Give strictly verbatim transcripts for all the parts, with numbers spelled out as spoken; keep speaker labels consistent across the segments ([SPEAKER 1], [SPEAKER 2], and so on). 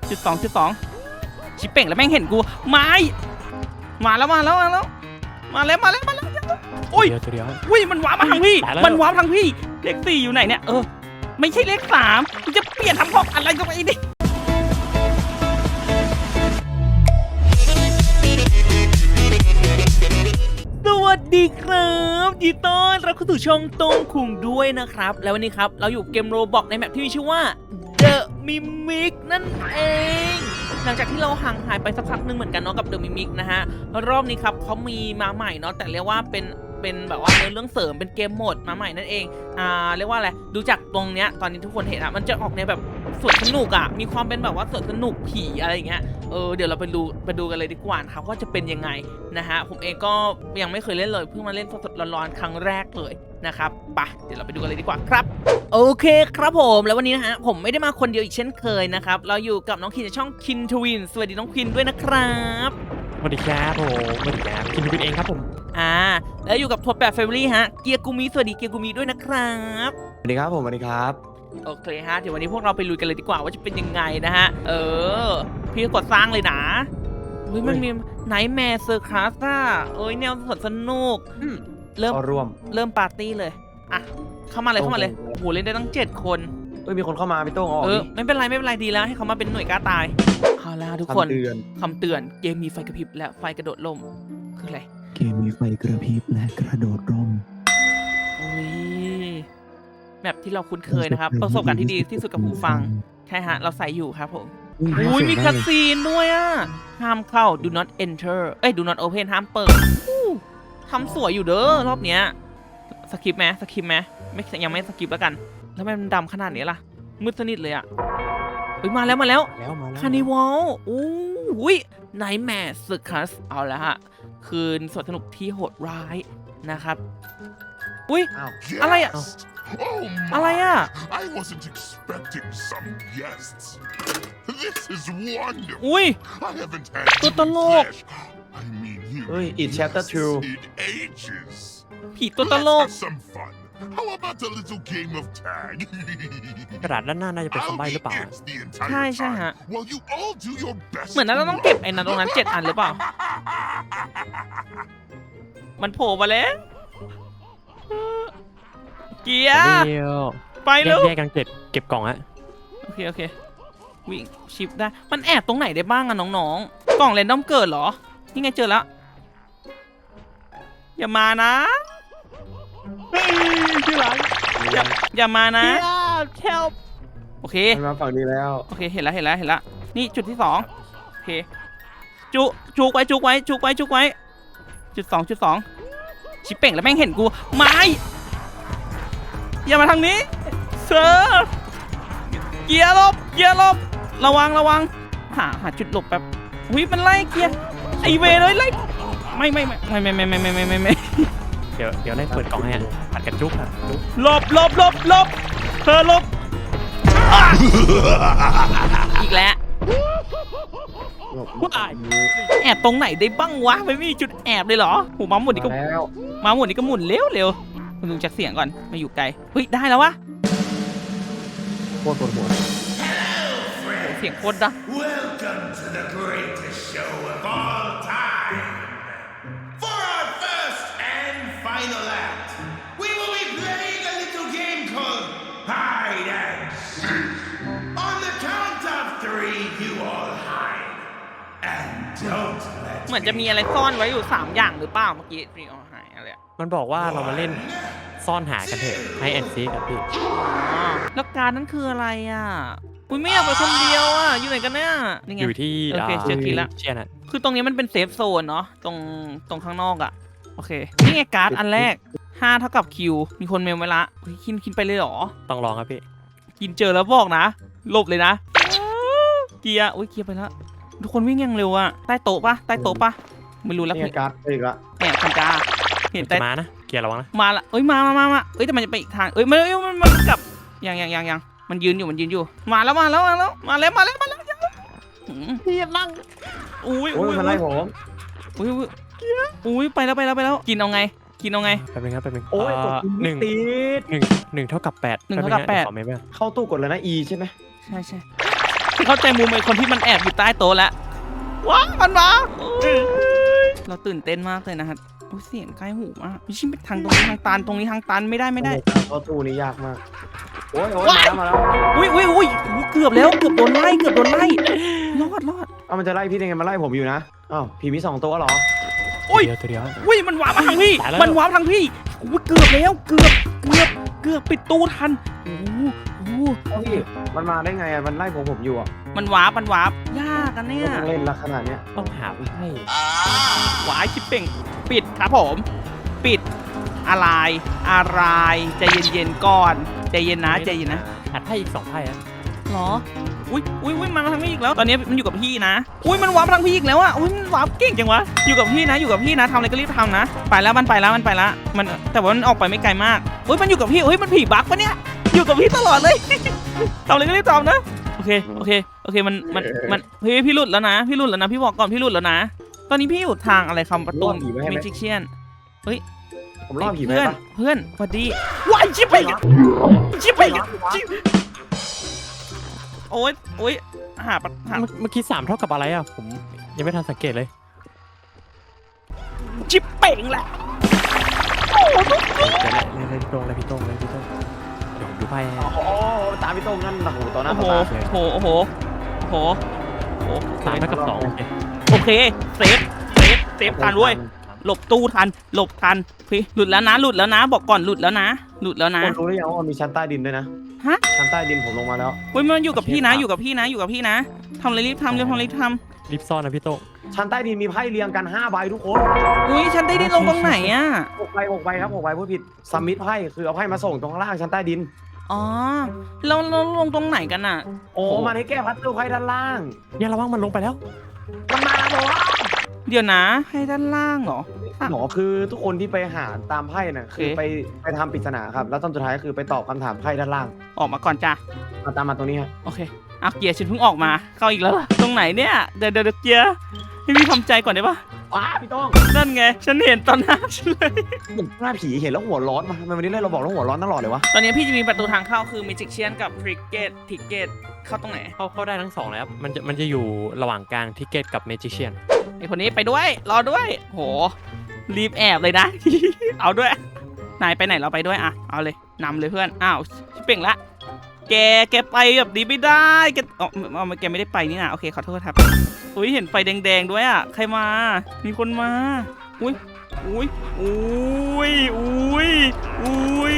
[SPEAKER 1] จุดสองจุดสองชิปเป่งแล้วแม่งเห็นกูไม้มาแล้วมาแล้วมาแล้วมาแล้วมาแล้วมาแล้วโอ้ยเดียวอุ้ยมันว้ามาทางพี่มันว้าทางพี่เลขสี่อยู่ไหนเนี่ยเออไม่ใช่เลขสามกูจะเปลี่ยนทำของอะไรก็ไปดิสวัสดีครับยินดีต้อนรับเข้าสู่ช่องตงคุงด้วยนะครับแล้ววันนี้ครับเราอยู่เกมโรบอกในแมปที่มีชื่อว่า The Mimic นั่นเองหลังจากที่เราห่างหายไปสักพักนึงเหมือนกันเนาะกับ The Mimic นะฮะรอบนี้ครับเขามีมาใหม่เนาะแต่เรียกว่าเป็นเป็นแบบว่าเนื้อเรื่องเสริมเป็นเกมโหมดมาใหม่นั่นเองอ่าเรียกว่าอะไรดูจากตรงเนี้ยตอนนี้ทุกคนเห็นอะมันจะออกในแบบสวนสนุกอะมีความเป็นแบบว่าสวนสนุกผีอะไรอย่างเงี้ยเออเดี๋ยวเราไปดูไปดูกันเลยดีกว่าครับว่าจะเป็นยังไงนะฮะผมเองก็ยังไม่เคยเล่นเลยเพิ่งมาเล่นสดๆร้อนๆครั้งแรกเลยนะครับไปเดี๋ยวเราไปดูกันเลยดีกว่าครับโอเคครับผมแล้ววันนี้นะฮะผมไม่ได้มาคนเดียวอีกเช่นเคยนะครับเราอยู่กับน้องคินจากช่องคินทวินสวัสดีน้องคินด้วยนะครับ
[SPEAKER 2] สวัสดีครับผมสวัสดีครับคินทวินเองครับผม
[SPEAKER 1] อ่าแล้วอยู่กับทวดแปดแฟมิลี่ฮะเกียร์กูมีสวัสดีเกียร์กูมีด้วยนะครับ
[SPEAKER 3] สวัสดีครับผมสวัสดีครับ
[SPEAKER 1] โอเคฮะเดี๋ยววันนี้พวกเราไปลุยกันเลยดีกว่าว่าจะเป็นยังไงนะฮะเออพี่กดสร้างเลยนะเฮ้ยมันมีไนท์แมร์เซอร์คลาสอ่ะเอ้ยแนวสดสนุกเริ่ม
[SPEAKER 3] ร่วม
[SPEAKER 1] เริ่มปาร์ตี้เลยอ่ะเข้ามาเลยเข้ามาเลยโอ้โหเล่นได้ตั้งเจ็ดคน
[SPEAKER 3] เอ้ยมีคนเข้ามาพี่โต้งออก
[SPEAKER 1] เออไม่เป็นไรไม่เป็นไรดีแล้วให้เขามาเป็นหน่วยกล้าตายเอาละทุกคนคำเตือนเกมมีไฟกระพริบและไฟกระโดดร่มคืออะไร
[SPEAKER 4] เกมมีไฟกระพริบและกระโดดร่ม
[SPEAKER 1] โอ้ยแบบที่เราคุ้นเคยนะครับประสบการณ์ที่ดีที่สุดกับหูฟังใช่ฮะเราใส่อยู่ครับผมอุ้ยมีคัสซีนด้วยอ่ะห้ามเข้า do not enter เอ้ย do not open ห้ามเปิดทำสวยอยู่เด้อรอบเนี้ยสกิปไหมสกิปไหมไม่ยังไม่สกิปแล้วกันแล้วมันดำขนาดนี้ล่ะมืดสนิทเลยอ่ะเฮ้ยมาแล้วมาแล้วคานิวัลอู้ยไนท์แมร์เซอร์คัสเอาละฮะคืนสวนสนุกที่โหดร้ายนะครับอุ้ยอะไรอ่ะอะไรอ่ะ
[SPEAKER 5] I wasn't expecting some guests. This is wonderful.
[SPEAKER 1] อุ้ย
[SPEAKER 5] I haven't had
[SPEAKER 1] ตัวตลก
[SPEAKER 5] I mean, you
[SPEAKER 3] เฮ้ย It Chapter two
[SPEAKER 5] in ages.
[SPEAKER 1] ผีตัวตลก
[SPEAKER 5] Let's have some fun. How about a little game of tag?
[SPEAKER 2] กระดาษด้านหน้าน่าจะเป็นคำใบ้หรือเปล่า
[SPEAKER 1] ใช่ใช่ฮะ
[SPEAKER 5] While you all do your best.
[SPEAKER 1] เหมือนนั้นเราต้องเก็บไอ้นั้นตรงนั้นเจ็ดอันหรือเปล่ามันโผล่มาแล้วเกียร์ไปเลย
[SPEAKER 2] แยกกันเก็บเก็บกล่องฮะ
[SPEAKER 1] โอเคโอเควิ่งชิปได้มันแอบตรงไหนได้บ้างอะน้องๆกล่องเรนดอมเกิดเหรอนี่ไงเจอแล้วอย่ามานะ
[SPEAKER 2] ที่หลัง
[SPEAKER 1] อย่าอย่ามานะ
[SPEAKER 2] เทล
[SPEAKER 1] โอเค
[SPEAKER 3] มาฝั่งนี้แล้ว
[SPEAKER 1] โอเคเห็นแล้วเห็นแล้วเห็นแล้วนี่จุดที่สองโอเคจุจุกไว้จุกไว้จุกไว้จุกไว้จุดสองจุดสองชิปเป่งแล้วแม่งเห็นกูไม้อย่ามาทางนี้เซอร์เกียร์ลบเกียร์ลบระวังระวังหาหาจุดหลบแบบหุ้ยมันไล่เกียร์ไอเวเลยไล่ไม่ไม่ไม่ไม่ไม่ไม่ไม่ไม่ไม่ไม่
[SPEAKER 2] เดี๋ยวเดี๋ยวไล่เปิดกล่องให้ผัดกันจุ๊บ
[SPEAKER 1] หลบหลบหลบหลบเธอหลบอีกแล้วแอบตรงไหนได้บ้างวะไม่มีจุดแอบเลยเหรอหูมาหมุนนี่ก็มาหมุนนี่ก็หมุนเร็วเร็วคุณลุงจักเสียงก่อนมาอยู่ไกลเฮ้ยได้แล้ววะ
[SPEAKER 3] โคตรปวดหัว
[SPEAKER 1] เสียงโคตรดัง
[SPEAKER 5] Welcome to the greatest show of all time. For our first and final act, we will be playing a little game called Hide and Seek. On the count of three, you all hide and don't let
[SPEAKER 1] เหมือนจะมีอะไรซ่อนไว้อยู่สามอย่างหรือเปล่าเมื่อกี้รีออหายอะไร
[SPEAKER 2] มันบอกว่าเรามาเล่นซ่อนหากันเถอะให้แอนซีกับพี่
[SPEAKER 1] แล้วการนั้นคืออะไรอ่ะคุณไม่อยากไปคนเดียวอ่ะอยู่ไหนกันเนี่ย
[SPEAKER 2] อยู่ที่
[SPEAKER 1] โอเคเจอคิดละ
[SPEAKER 2] เชียร์นะ
[SPEAKER 1] คือตรงนี้มันเป็นเซฟโซนเนาะตรงตรงข้างนอกอ่ะโอเคนี่ไงการ์ดอันแรกห้าเท่ากับคิวมีคนเมลไว้ละคินคินไปเลยหรอ
[SPEAKER 2] ต้องลองครับพี่
[SPEAKER 1] กินเจอแล้วบอกนะหลบเลยนะเกียร์โอ้ยเกียร์ไปแล้วทุกคนวิ่งยังเร็วอ่ะใต้โต๊ะปะใต้โต๊ะปะไม่รู้แล้ว
[SPEAKER 3] พี่การ์ดอีกละ
[SPEAKER 1] แหมคันกาเห็นแต่
[SPEAKER 2] มานะเกียร์ระวังนะ
[SPEAKER 1] มาละเอ้ยมามามามาเอ้ยแต่มันจะไปอีกทางเอ้ยมันมันมันกลับยังยังยังยังมันยืนอยู่มันยืนอยู่มาแล้วมาแล้วมาแล้วมาแล้วมาแล้วมาแล้วพี่นั่งอุ้ยอุ้ย
[SPEAKER 3] มันไล่ผม
[SPEAKER 1] อุ้ยอุ้ยไปแล้วไปแล้วไปแล้วกินเอาไงกินเอาไง
[SPEAKER 2] แป๊บนึงครับแป๊บนึง
[SPEAKER 3] โอ้ยหนึ่ง
[SPEAKER 2] ติดหนึ่งหนึ่งเท่ากับแปด
[SPEAKER 1] หนึ่งเท่ากับแปด
[SPEAKER 3] เข้าตู้กดเลยนะ E ใช่ไหม
[SPEAKER 1] ใช่ใช่เข้าใจมุมไอ้คนที่มันแอบอยู่ใต้โต๊ะแล้วว้ามันมาเราตื่นเต้นมากเลยนะครับโอ้ยเสียงใกล้หูมากไม่ใช่ทางตรงนี้ทางตันตรงนี้ทางตันไม่ได้ไม่ได้
[SPEAKER 3] เข้าตู้นี้ยากมากโอ้ยโอ้ยมาแล้วมาแล้ว
[SPEAKER 1] อุ้ยอุ้ยอุ้ยเกือบแล้วเกือบโดนไล่เกือบโดนไล่รอดรอด
[SPEAKER 3] เอามันจะไล่พี่ได้ไงมันไล่ผมอยู่นะอ้าวพี่มีสองตัวเหรอ
[SPEAKER 1] อุ้ย
[SPEAKER 2] เดียวตัวเดียว
[SPEAKER 1] อุ้ยมันวาร์ปมาทางพี่
[SPEAKER 2] ตายแล้ว
[SPEAKER 1] มันวาร์ปทางพี่อุ้ยเกือบแล้วเกือบเกือบเกือบปิดตู้ทันโอ้โหโอ้โห
[SPEAKER 3] เอ้าพี่มันมาได้ไงอะมันไล่ผมผมอยู่อ่ะ
[SPEAKER 1] มันวาร์ปมันวาร์ปยากกันเนี่ย
[SPEAKER 3] ต้องเล่นละขนาดเนี้ย
[SPEAKER 2] ต้องหาไพ่
[SPEAKER 1] วายชิปเป่งปิดครับผมปิดอะไรอะไรใจเย็นๆก่อนใจเย็นนะใจเย็นนะ
[SPEAKER 2] หาไพ่อีกสองไพ่อะ
[SPEAKER 1] หรออุ้ยอุ้ยอุ้ยมันมาทางพี่อีกแล้วตอนนี้มันอยู่กับพี่นะอุ้ยมันวาร์ปทางพี่อีกแล้วอ่ะอุ้ยมันวาร์ปเก่งจังวะอยู่กับพี่นะอยู่กับพี่นะทำอะไรก็รีบทำนะไปแล้วมันไปแล้วมันไปแล้วมันแต่ว่ามันออกไปไม่ไกลมากอุ้ยมันอยู่กับพี่อุ้ยมันผีบั๊กปะเนี่ยอยู่กับพี่ตลอดเลย ทำอะไรก็รีบทำนะโอเคโอเคโอเคมันมันมันพี่พี่หลุดแล้วนะพี่หลุดแล้วนะพี่บอกก่อนพี่หลุดแล้วนะตอนนี้พี่อยู่ทางอะไรคำประตูเมจิเชียน
[SPEAKER 3] ผมล่อผีไป
[SPEAKER 1] เพื่อน
[SPEAKER 3] ปะ
[SPEAKER 1] เพื่อนสวัสดีว้ายชิบไปชิบไปชิบโอ๊ยโอ๊ยหาปะหา
[SPEAKER 2] เมื่อเมื่อกี้สามเท่ากับอะไรอ่ะผมยังไม่ทันสังเกตเลย
[SPEAKER 1] ชิบเป่งแหละ
[SPEAKER 2] เดี๋ยวเลยเลยพี่โต้งเลยพี่โต้งเลยพี่โต้งเดี๋ยวผมดูไพ่ให้
[SPEAKER 3] โอ้โหตามพี่โต้งนั่นโอ้โหต่อหน้า
[SPEAKER 1] โอ้
[SPEAKER 3] ต่
[SPEAKER 1] โห
[SPEAKER 3] อตา
[SPEAKER 1] โอ้โหโอ้โหโอ้โห
[SPEAKER 2] สามเท่ากับสองโอเค
[SPEAKER 1] โอเคเซฟเซฟเซฟทันด้วยหลบตู้ทันหลบทันพี่หลุดแล้วนะหลุดแล้วนะ บอกก่อนหลุดแล้วนะหลุดแล้วนะ
[SPEAKER 3] คนรู้หรือยังว่ามันมีชั้นใต้ดินด้วยนะ
[SPEAKER 1] ฮะ
[SPEAKER 3] ชั้นใต้ดินผมลงมาแล้ว
[SPEAKER 1] เฮ้ยมันอยู่กับพี่นะอยู่กับพี่นะอยู่กับพี่นะทำอะไรรีบทำเร็วทำรีบท
[SPEAKER 2] รีบซ่อนนะพี่โต้ง
[SPEAKER 3] ชั้นใต้ดินมีไพ่เรียงกันห้าใบทุกคน
[SPEAKER 1] ำอุ้ยฉันได้ดินลงตรงไหนอ่ะ
[SPEAKER 3] หกใบหกใบครับหกใบพูดผิดซัมมิตไพ่คือเอาไพ่มาส่งตรงข้างล่างชั้นใต้ดิน
[SPEAKER 1] อ๋อแล้วเราลงตรงไหนกันอ่ะ
[SPEAKER 3] โอ้มันให้แก้พัซเซิลไพ่ด้านล่าง
[SPEAKER 2] เนี่ยระวังมันลงไปแล้ว
[SPEAKER 3] มันมาแล้วเหรอ
[SPEAKER 1] เดี๋ยวนะให้ด้านล่างเหรอ
[SPEAKER 3] หมอคือทุกคนที่ไปหาตามไพ่น่ะคือ
[SPEAKER 1] โอเค
[SPEAKER 3] ไปไปทำปริศนาครับแล้วตอนสุดท้ายก็คือไปตอบคำถามไพ่ด้านล่าง
[SPEAKER 1] ออกมาก่อนจ้ะ
[SPEAKER 3] มาตามมาตรงนี้ฮะ
[SPEAKER 1] โอเคเอาเกียร์ฉันเพิ่งออกมาเข้าอีกแล้วล่ะตรงไหนเนี่ยเดี๋ยวเดี๋ยวเดี๋ยวเกียร์ให้พี่ทำใจก่อนได้ปะ
[SPEAKER 3] ว้าพี่โต้อง
[SPEAKER 1] นั่นไงฉันเห็นตอนหน้าฉันเลย
[SPEAKER 3] เหมือนหน้าผีเห็นแล้วหัวร้อนมาทำไมวันนี้เล่นเราบอกแล้วหัวร้อนตลอดเลยวะ
[SPEAKER 1] ตอนนี้พี่จะมีประตูทางเข้าคือ Magic Chen กับ Cricket Ticket เข้าตรงไหน
[SPEAKER 2] เข้าเข้าได้ทั้งสองเลยครับมันจะมันจะอยู่ระหว่างกลางทิกเก็ตกับเมจิเชียน
[SPEAKER 1] ไอคนนี้ไปด้วยรอด้วยโหรีบแอบเลยนะ เอาด้วยนายไปไหนเราไปด้วยอ่ะเอาเลยนำเลยเพื่อนอ้าวชิบเป่งละแกแกไปแบบนี้ไม่ได้แกอ๋อเอาแกไม่ได้ไปนี่นะโอเคขอโทษครับอุ้ยเห็นไฟแดงๆด้วยอ่ะใครมามีคนมาอุ้ยอุ้ยอุ้ยอุ้ยอุ้ย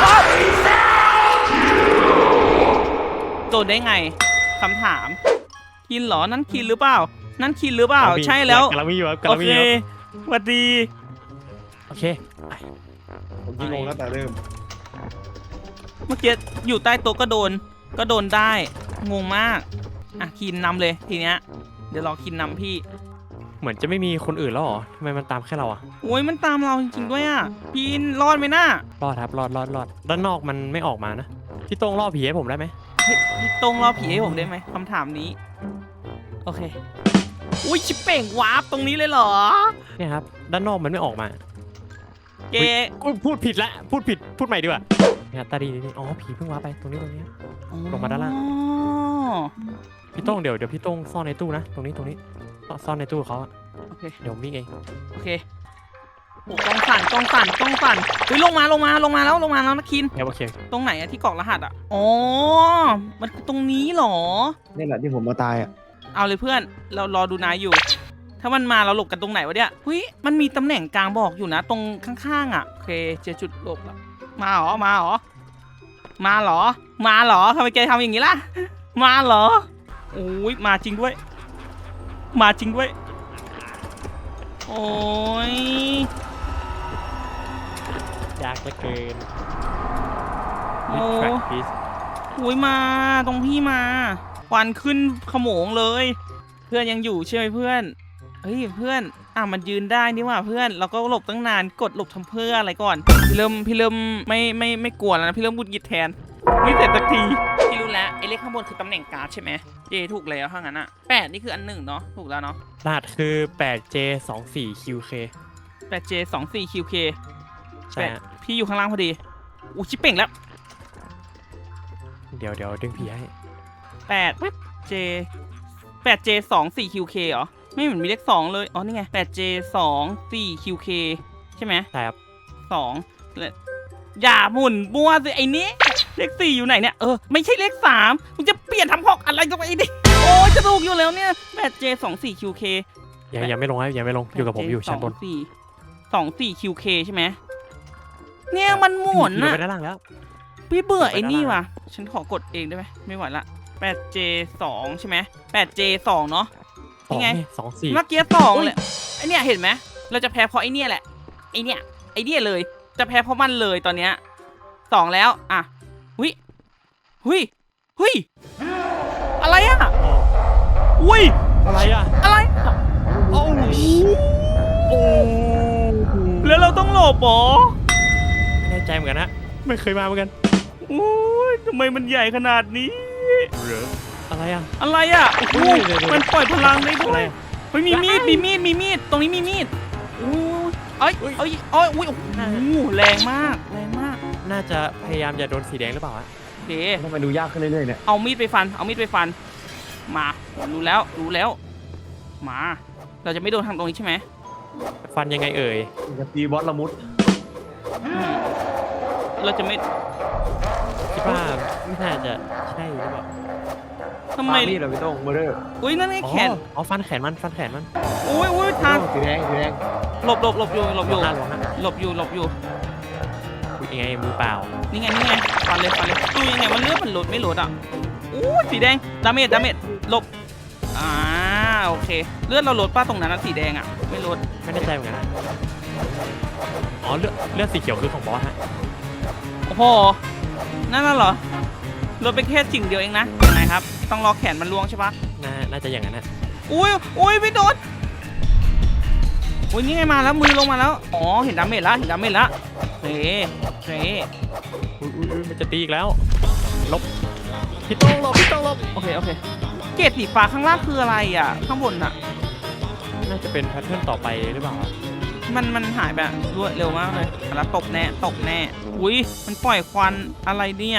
[SPEAKER 1] โดนได้ไงคำถามคินเหรอนั่นคินหรือเปล่านั่นคินหรือเปล่าใช่แล้ว
[SPEAKER 2] กำลังมีอยู่ครับกำ
[SPEAKER 1] โอ
[SPEAKER 2] ลังมี
[SPEAKER 1] เค
[SPEAKER 2] อยู่ครับ
[SPEAKER 1] สวัสดี
[SPEAKER 2] โอเค
[SPEAKER 3] ผมยิงลงแล้วแต่เริ่ม
[SPEAKER 1] เมื่อกี้อยู่ใต้โต๊ะก็โดนก็โดนได้งงมากอ่ะคินนำเลยทีเนี้ยเดี๋ยวรอคินนำพี่
[SPEAKER 2] เหมือนจะไม่มีคนอื่นแล้วเหรอทำไมมันตามแค่เราอะ
[SPEAKER 1] โอ้ยมันตามเราจริงๆด้วยอ่ะพี่รอดไหมน่าร
[SPEAKER 2] อดครับรอดรอดรอดด้านนอกมันไม่ออกมานะพี่โต้งล่อผีให้ผมได้ไหม
[SPEAKER 1] พี่พี่ตรงรอผีให้ผมได้ไหมคำถามนี้โอเคอุ้ยชิปเป่งวาร์ปตรงนี้เลยเหรอ
[SPEAKER 2] เนี่ยครับด้านนอกมันไม่ออกมา
[SPEAKER 1] เก
[SPEAKER 2] อุ๊ยพูดผิดละพูดผิดพูดใหม่ดีกว่าเนี่ยตาดีนี่อ๋อผีเพิ่งว้าไปตรงนี้ตรงนี้ ลงมาด้านล่าง
[SPEAKER 1] อ๋อ
[SPEAKER 2] พี่โต้งเดี๋ยวเดี๋ยวพี่โต้งซ่อนในตู้นะตรงนี้ตรงนี้ซ่อนในตู้เขาอะ
[SPEAKER 1] โอเค
[SPEAKER 2] เดี๋ยวมิกเอง
[SPEAKER 1] โอเคโอ้กล้องสั่นกล้องสั่นกล้องสั่นอุ้ยลงมาลงมาลงมาแล้วลงมาแล้วนะคิน
[SPEAKER 2] เดี๋ยวโอเค
[SPEAKER 1] ตรงไหนอะที่กรอกรหัสอะอ๋อ มันคือตรงนี้เหรอ
[SPEAKER 3] นี่แหละที่ผมมาตายอ่ะ
[SPEAKER 1] เอาเลยเพื่อน เรารอดูนายอยู่ ถ้ามันมาเราหลบกันตรงไหนวะเนี่ยเฮ้ย มันมีตำแหน่งกลางบอกอยู่นะ ตรงข้างๆอะโอเค เจอจุดหลบแล้วมาเหรอ มาเหรอ มาเหรอ มาเหรอทำไมแกทำอย่างนี้ล่ะ มาเหรอโอ้ยมาจริงด้วย มาจริงด้วย โอ้ย
[SPEAKER 2] ยากเหลือเกิน
[SPEAKER 1] โอ้
[SPEAKER 2] นี่ track piece
[SPEAKER 1] อุ้ยมาตรงพี่มาควันขึ้นขโมงเลย เพื่อนยังอยู่ใช่ไหมเพื่อนเฮ้ยเพื่อนอ่ะมันยืนได้นี่หว่าเพื่อนเราก็หลบตั้งนานกดหลบทำเพื่ออะไรก่อนพี่เริ่มพี่เริ่มไม่ไม่ไม่กลัวแล้วนะพี่เริ่มบุดหงิดแทนไม่เสร็จสักทีพี่รู้แล้วไอ้เลขข้างบนคือตำแหน่งการ์ดใช่ไหมเจถูกแล้วถ้างั้นอ่ะแปดนี่คืออันหนึ่งเนาะถูกแล้วเนาะ
[SPEAKER 2] รหัสคือ แปดเจ สองสี่ คิว เค
[SPEAKER 1] แปดเจสองสี่คิวเค
[SPEAKER 2] ใช่ฮะ
[SPEAKER 1] พี่อยู่ข้างล่างพอดีอู้ชิปเป่งแล้ว
[SPEAKER 2] เดี๋ยวเดี๋ยวดึงผีให้
[SPEAKER 1] แปดเจ แปดเจ สอง สี่ คิว เค เหรอ ไม่เหมือนมีเลขสองเลย อ๋อ นี่ไง แปดเจ สอง สี่ คิว เค ใช่ไหม
[SPEAKER 2] ใช่ครับ
[SPEAKER 1] สองและอย่าหมุนบัวสิไอ้นี้เลขสี่อยู่ไหนเนี่ย เออ ไม่ใช่เลขสามมึงจะเปลี่ยนทำหอกอะไรกันไปดิโอ้ยจะถูกอยู่แล้วเนี่ย แปดเจ สอง สี่ คิว เค
[SPEAKER 2] ยังยังไม่ลงครับยังไม่ลงอยู่กับผมอยู่ชั้นบน
[SPEAKER 1] สองสี่ สอง สี่ คิว เค ใช่ไหม เนี่ยมันหมุน
[SPEAKER 2] อยู่
[SPEAKER 1] อะ
[SPEAKER 2] ไปด้านล่างแล้ว
[SPEAKER 1] พี่เบื่อ
[SPEAKER 2] ไป
[SPEAKER 1] ไอ้
[SPEAKER 2] ด้าน
[SPEAKER 1] นี่
[SPEAKER 2] ล่าง
[SPEAKER 1] ว่ะ ฉันขอกดเองได้ไหมไม่ไหวละ แปดเจ สอง ใช่ไหม แปดเจ สอง เนาะ
[SPEAKER 2] สอง
[SPEAKER 1] นี่ไง
[SPEAKER 2] นี่สองสี่
[SPEAKER 1] เมื่อกี้สองเลยไอเนี่ยเห็นไหมเราจะแพ้เพราะไอเนี่ยแหละไอเนี่ยไอเนี่ยเลยจะแพ้เพราะมันเลยตอนเนี้ยสองแล้วอ่ะหุยหุยหุยอะไรอ่ะอุ้ย
[SPEAKER 2] อะไรอ่ะ
[SPEAKER 1] อะไรอะ
[SPEAKER 2] โอ้โอ้
[SPEAKER 1] แล้วเราต้องหลบเหรอ
[SPEAKER 2] ไม่แน่ใจเหมือนกันนะไม่เคยมาเหมือนกัน
[SPEAKER 1] อุ้ยทำไมมันใหญ่ขนาดนี้
[SPEAKER 2] อะไรอ่ะ
[SPEAKER 1] อะไรอ่ะโอ้โห
[SPEAKER 2] เดี๋ยวๆๆ
[SPEAKER 1] มันปล่อยพลังได้ด้
[SPEAKER 2] อะ
[SPEAKER 1] ว
[SPEAKER 2] ไร
[SPEAKER 1] ยเฮ้ยมีมีดมีมีดมีมีดตรงนี้มีมีดอุ้ยเอ้ย
[SPEAKER 2] อุ๊ย
[SPEAKER 1] เอ้ยเอ้ยอุ้ยโอ้โหแรงมากแรงมาก
[SPEAKER 2] น่าจะพยายามจะโดนสีแดงหรือเปล่าฮะ
[SPEAKER 1] โอเค
[SPEAKER 3] ทำไมดูยากขึ้นเรื่อยๆเนี่ย
[SPEAKER 1] เอามีดไปฟัน เอามีดไปฟัน มารู้แล้ว รู้แล้ว มา เราจะไม่โดนทางตรงนี้ใช่ไหม
[SPEAKER 2] ฟันยังไงเอ่ย
[SPEAKER 3] จะตีบอสละมุด
[SPEAKER 1] อืมเราจะไม่
[SPEAKER 2] คิดว่าไม่น่าจะใช่หรือเปล่า
[SPEAKER 1] ทำไม
[SPEAKER 3] ปามีดเหรอพี่โต้งเบอร์เดอร์
[SPEAKER 1] อุ้ยนั่นไง
[SPEAKER 2] อ๋อ
[SPEAKER 1] แขน
[SPEAKER 2] อ๋อฟันแขนมันฟันแขนมัน
[SPEAKER 1] อุ้ยอุ้ยทาง
[SPEAKER 3] สีแดงสีแดง
[SPEAKER 1] หลบหลบหลบอยู่ หลบอยู่
[SPEAKER 2] หน้าลงฮะ
[SPEAKER 1] หลบอยู่ หลบอยู่
[SPEAKER 2] อุ๊ยยังไงมือเปล่า
[SPEAKER 1] นี่ไง นี่ไง ฟันเลย ฟันเลย ดูยังไงมันเลือดมันหลดไม่หลดอ่ะอู้สีแดง ดาเมจ ดาเมจ หลบ อ่า โอเค เลือดเราลดป้าตรงนั้นนะสีแดงอ่ะ ไม่ลด
[SPEAKER 2] ไม่แน่ใจเหมือนกันนะอ๋อเลือดเลือดสีเขียวคือของบอสฮะ
[SPEAKER 1] โอ้โห นั่นน่ะเหรอ ลดไปแค่สิ่งเดียวเองนะไหนครับ ต้องรอแขนมันล่วงใช่ปะ
[SPEAKER 2] น่าน่าจะอย่างนั้นนะ
[SPEAKER 1] อุ้ยอุ้ยไม่โดนอุ้ยนี่ไงมาแล้วมือลงมาแล้ว อ๋อ เห็นดาเมจแล้ว เห็นดาเมจแล้วเฮ้เฮ้
[SPEAKER 2] อุ๊ยอุ๊ยอุ๊ยมันจะตีอีกแล้วลบพี่โต้งลบพี่โต้งลบ
[SPEAKER 1] โอเค โอเค เกรดสีฟ้าข้างล่างคืออะไรอ่ะ ข้างบนอ่ะ
[SPEAKER 2] น่าจะเป็นแพทเทิร์นต่อไปหรือเปล่า
[SPEAKER 1] มันมันหายแบบรวดเร็วมากเลยแล้วตกแน่ ตกแน่ อุ้ยมันปล่อยควันอะไรเนี่ย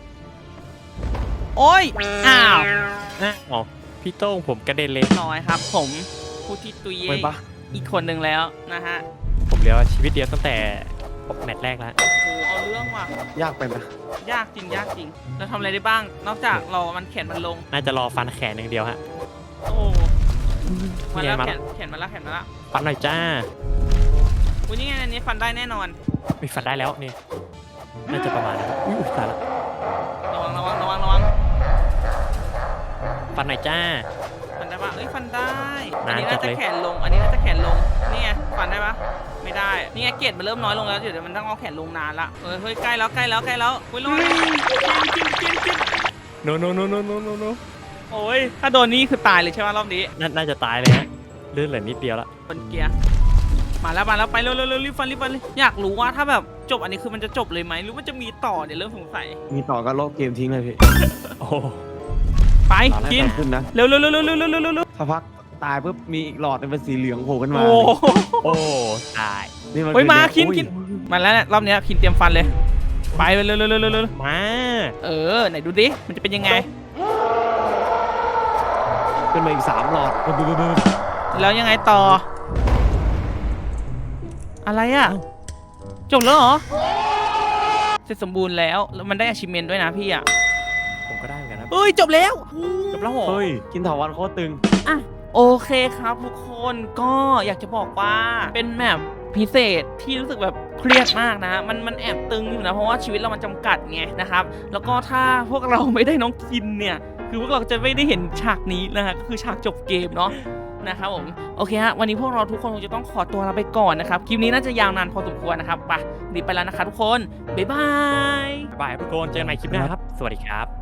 [SPEAKER 1] โอ้ย อ้าว
[SPEAKER 2] นะอ๋อพี่โต้งผมกระเด็นเลย
[SPEAKER 1] น้อยครับ ผมผู้ที่ตุย
[SPEAKER 3] ไปปะ
[SPEAKER 1] อีกคนหนึ่งแล้วนะฮะ
[SPEAKER 2] ผมเหลือชีวิตเดียวตั้งแต่แมตช์แรกแล้ว
[SPEAKER 1] โอ้โหเอาเรื่องว่ะ
[SPEAKER 3] ยากไปไหม
[SPEAKER 1] ยากจริงยากจริงเราทำอะไรได้บ้าง นอกจากเรามันแขนมันลง
[SPEAKER 2] น่าจะรอฟันแขนอย่างเดียวฮะ
[SPEAKER 1] โอ้มาแล้ว
[SPEAKER 2] นี่ไงมา
[SPEAKER 1] แข
[SPEAKER 2] แล้ว
[SPEAKER 1] นแขนมาแล้วแขนมาแล้ว
[SPEAKER 2] ฟันหน่อยจ้า
[SPEAKER 1] อุ้ยนี่ไงอันนี้ฟันได้แน่นอน
[SPEAKER 2] มีฟันได้แล้วนี่น่าจะประมาณนั้นอุ้ยอุ๊ยตายละ
[SPEAKER 1] ระวังระวังระวังระวัง
[SPEAKER 2] ฟันหน่อยจ้า
[SPEAKER 1] ฟันได้ปะเอ้ยฟันได้ อัน
[SPEAKER 2] นาน
[SPEAKER 1] นี้
[SPEAKER 2] จั
[SPEAKER 1] น่า
[SPEAKER 2] ด
[SPEAKER 1] จะ
[SPEAKER 2] เลย
[SPEAKER 1] แขนลง อันนี้น่าจะแขนลงนี่ไงฟันได้ปะไม่ได้ นี่ไงเกรดมันเริ่มน้อยลงแล้วเดี๋ยวมันต้องเอาแขนลงนานละเฮ้ยเฮ้ยใกล้แล้วใกล้แล้วใกล้แล้วอุ้ยระวังกินกินกิน
[SPEAKER 2] โนโนโนโนโนโนโน
[SPEAKER 1] โอ้ยถ้าโดนนี่คือตายเลยใช่ไหมรอบนี้
[SPEAKER 2] น่าน่าจะตายเลยฮะเลื่อนเหลือนิดเดียวละ
[SPEAKER 1] บนเกียร์มาแล้วมาแล้วไปเร็วเร็วเร็วรีบฟันรีบฟันเลยอยากรู้ว่าถ้าแบบจบอันนี้คือมันจะจบเลยไหมหรือว่าจะมีต่อเดี๋ยวเริ่มสงสัย
[SPEAKER 3] มีต่อก็ลบเกมทิ้งเลยพี่
[SPEAKER 2] โอ้โห
[SPEAKER 1] ไป
[SPEAKER 3] ตอนแรก
[SPEAKER 1] กิน
[SPEAKER 3] แต่ขึ้นนะ
[SPEAKER 1] เร็วเร็วเร็วเร็วเร็วเร็วเร็วเร็ว
[SPEAKER 3] ถ้าพักตายปุ๊บมีอีกหลอดหนึ่งเป็นสีเหลืองโผล่ขึ้นมา
[SPEAKER 1] โอ้โห
[SPEAKER 2] โอ้ตาย
[SPEAKER 3] นี่มัน
[SPEAKER 1] เฮ้ยมา
[SPEAKER 3] คือ
[SPEAKER 1] คิน
[SPEAKER 3] อุ้ย
[SPEAKER 1] คินมาแล้วเนี่ยรอบเนี้ยคินเตรียมฟันเลย ไปเร็วเร็วเร็วเร็วเร็วเร็ว
[SPEAKER 2] มา
[SPEAKER 1] เออไหนดูดิมันจะเป็นยังไง
[SPEAKER 3] ขึ้นมาอีกสามหลอดบึ้บบึ้บบึ้บบึ้บ
[SPEAKER 1] แล้วยังไงต่อ อะไรอ่ะจบแล้วเหรอเสร็จสมบูรณ์แล้วแล้วมันได้ achievement ด้วยนะพี่อ่ะ
[SPEAKER 2] ผมก็ได้เหมือนกันครับ
[SPEAKER 1] เฮ้ยจบแล้ว
[SPEAKER 2] จบแล้วเหรอ
[SPEAKER 3] เฮ้ยกินถาวันโคตรตึง
[SPEAKER 1] อ่ะโอเคครับทุกคนก็อยากจะบอกว่าเป็นแมปพิเศษที่รู้สึกแบบเครียดมากนะมันมันแอบตึงอยู่นะเพราะว่าชีวิตเรามันจำกัดไงนะครับแล้วก็ถ้าพวกเราไม่ได้น้องกินเนี่ยคือพวกเราจะไม่ได้เห็นฉากนี้นะฮะก็คือฉากจบเกมเนาะนะครับผมโอเคฮะวันนี้พวกเราทุกคนคงจะต้องขอตัวลาไปก่อนนะครับคลิปนี้น่าจะยาวนานพอสมควรนะครับไปรีบไปแล้วนะคะทุกคนบ๊ายบาย
[SPEAKER 2] บายทุกคนเจอกันใหม่คลิปหน้าครับ สวัสดีครับ